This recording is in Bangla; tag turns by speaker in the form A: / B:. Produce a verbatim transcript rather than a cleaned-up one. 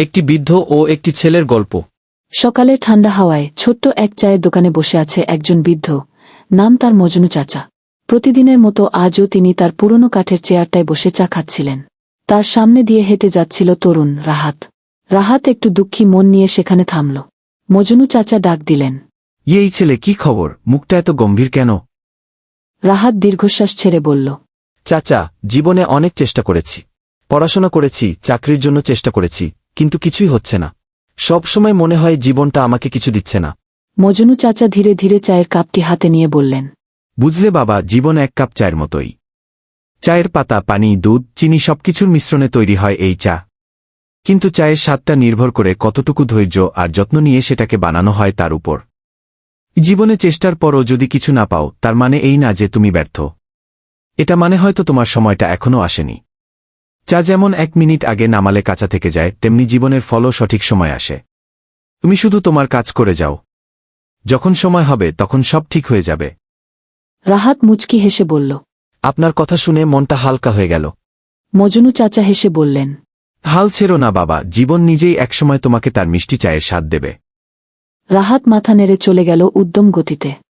A: একটি বৃদ্ধ ও একটি ছেলের গল্প।
B: সকালে ঠান্ডা হাওয়ায় ছোট্ট এক চায়ের দোকানে বসে আছে একজন বৃদ্ধ, নাম তার মজনু চাচা। প্রতিদিনের মতো আজও তিনি তার পুরনো কাঠের চেয়ারটায় বসে চা খাচ্ছিলেন। তার সামনে দিয়ে হেঁটে যাচ্ছিল তরুণ রাহাত। রাহাত একটু দুঃখী মন নিয়ে সেখানে থামল। মজনু চাচা ডাক দিলেন,
A: এই ছেলে, কি খবর? মুখটা এত গম্ভীর কেন?
B: রাহাত দীর্ঘশ্বাস ছেড়ে বলল,
A: চাচা, জীবনে অনেক চেষ্টা করেছি। পড়াশোনা করেছি, চাকরির জন্য চেষ্টা করেছি, কিন্তু কিছুই হচ্ছে না। সব সময় মনে হয় জীবনটা আমাকে কিছু দিচ্ছে না।
B: মজনু চাচা ধীরে ধীরে চায়ের কাপটি হাতে নিয়ে বললেন,
A: বুঝলে বাবা, জীবন এক কাপ চায়ের মতোই। চায়ের পাতা, পানি, দুধ, চিনি সবকিছুর মিশ্রণে তৈরি হয় এই চা। কিন্তু চায়ের স্বাদটা নির্ভর করে কতটুকু ধৈর্য আর যত্ন নিয়ে সেটাকে বানানো হয় তার উপর। জীবনে চেষ্টার পরও যদি কিছু না পাও, তার মানে এই না যে তুমি ব্যর্থ। এটা মানে হয়তো তোমার সময়টা এখনও আসেনি। চা যেমন এক মিনিট আগে নামালে কাঁচা থেকে যায়, তেমনি জীবনের ফলও সঠিক সময় আসে। তুমি শুধু তোমার কাজ করে যাও। যখন সময় হবে তখন সব ঠিক হয়ে যাবে।
B: রাহাত মুচকি হেসে বলল,
A: আপনার কথা শুনে মনটা হালকা হয়ে গেল।
B: মজনু চাচা হেসে বললেন,
A: হাল ছেড়ো না বাবা, জীবন নিজেই একসময় তোমাকে তার মিষ্টি চায়ের স্বাদ দেবে।
B: রাহাত মাথা নেড়ে চলে গেল উদ্যম গতিতে।